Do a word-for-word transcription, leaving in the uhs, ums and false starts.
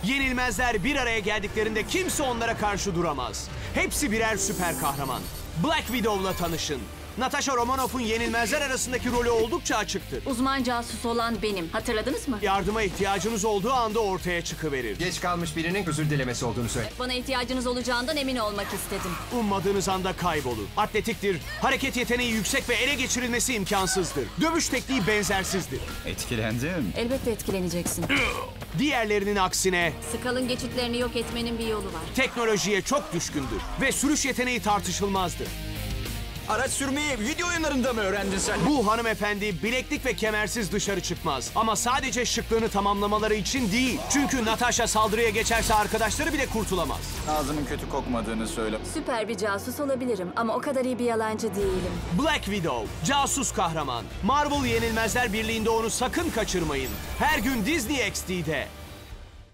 Yenilmezler bir araya geldiklerinde kimse onlara karşı duramaz. Hepsi birer süper kahraman. Black Widow'la tanışın. Natasha Romanoff'un yenilmezler arasındaki rolü oldukça açıktır. Uzman casus olan benim. Hatırladınız mı? Yardıma ihtiyacınız olduğu anda ortaya çıkıverir. Geç kalmış birinin özür dilemesi olduğunu söyle. Bana ihtiyacınız olacağından emin olmak istedim. Ummadığınız anda kaybolur. Atletiktir, hareket yeteneği yüksek ve ele geçirilmesi imkansızdır. Dövüş tekniği benzersizdir. Etkilendim. Elbette etkileneceksin. Diğerlerinin aksine Skal'ın geçitlerini yok etmenin bir yolu var. teknolojiye çok düşkündür ve sürüş yeteneği tartışılmazdır. Araç sürmeyi video oyunlarında mı öğrendin sen? Bu hanımefendi bileklik ve kemersiz dışarı çıkmaz. Ama sadece şıklığını tamamlamaları için değil. Çünkü Natasha saldırıya geçerse arkadaşları bile kurtulamaz. Ağzımın kötü kokmadığını söyle. Süper bir casus olabilirim ama o kadar iyi bir yalancı değilim. Black Widow, casus kahraman. Marvel Yenilmezler Birliği'nde onu sakın kaçırmayın. Her gün Disney X D'de.